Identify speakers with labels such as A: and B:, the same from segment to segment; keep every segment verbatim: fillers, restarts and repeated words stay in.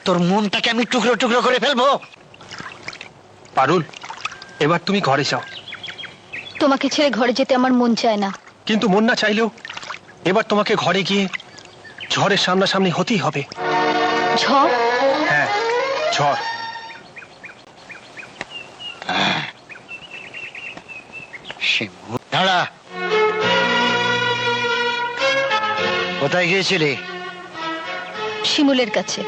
A: তোর মনটাকে আমি টুকরো টুকরো করে ফেলবো।
B: পারুল, এবার তুমি ঘরে যাও।
C: তোমাকে ছেড়ে ঘরে যেতে আমার মন চায় না।
B: কিন্তু মন না চাইলেও এবার তোমাকে ঘরে গিয়ে ঝড়ের সামনাসামনি হতেই হবে।
C: ঝড়?
B: হ্যাঁ, ঝড়।
A: দাঁড়া, কোথায় গিয়েছিলি?
C: শিমুলের কাছে।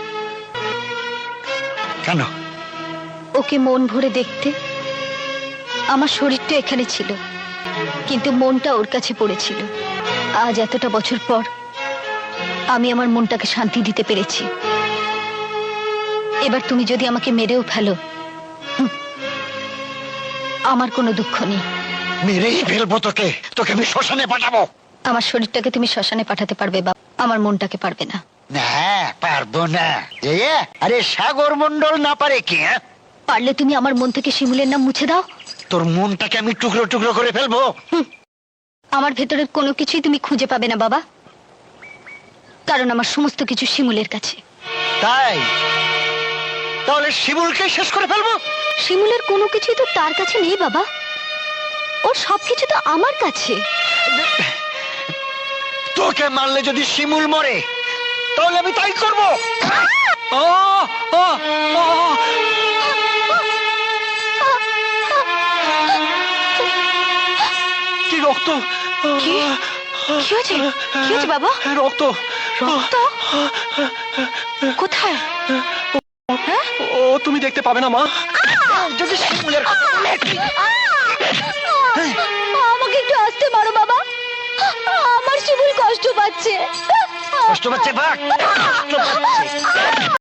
A: কেন?
C: ওকে মন ভরে দেখতে। আমার শরীরটা এখানে ছিল, কিন্তু মনটা ওর কাছে পড়েছিল। আজ এতটা বছর পর আমি আমার মনটাকে শান্তি দিতে পেরেছি। এবার তুমি যদি আমাকে মেরেও ফেলো, হুম, আমার কোনো দুঃখ নেই।
A: মেরেই ফেলবো তোকে, তোকে আমি শ্মশানে পাঠাবো।
C: আমার শরীরটাকে তুমি শ্মশানে পাঠাতে পারবে বাবা, আমার মনটাকে পারবে না।
A: না, পারবো না। আরে সাগর মন্ডল না পারে কি?
C: পারলে তুমি আমার মন থেকে শিমুলের নাম মুছে দাও।
A: তোর মনটাকে আমি টুকরো টুকরো করে ফেলবো।
C: আমার ভেতরের কোনো কিছুই তুমি খুঁজে পাবে না বাবা, কারণ আমার সমস্ত কিছু শিমুলের কাছে।
A: তাই? তাহলে শিমুলকে শেষ করে ফেলবো?
C: শিমুলের কোনো কিছুই তো তার কাছে নেই বাবা, ওর সবকিছু তো আমার কাছে।
A: তোকে মারলে যদি শিমুল মরে, তাহলে আমি তাই করবো।
B: কি রক্ত!
C: কি কি হয়েছে? কি হয়েছে বাবা?
B: রক্ত!
C: রক্ত কোথায়? হ্যাঁ?
B: ও তুমি দেখতে পাবে না মা।
A: যদি শিমুলের
C: আমাকে একটু আসতে মারো বাবা, আমার শিমুল কষ্ট পাচ্ছে।
A: কষ্ট পাচ্ছে, বাঘ কষ্ট পাচ্ছে।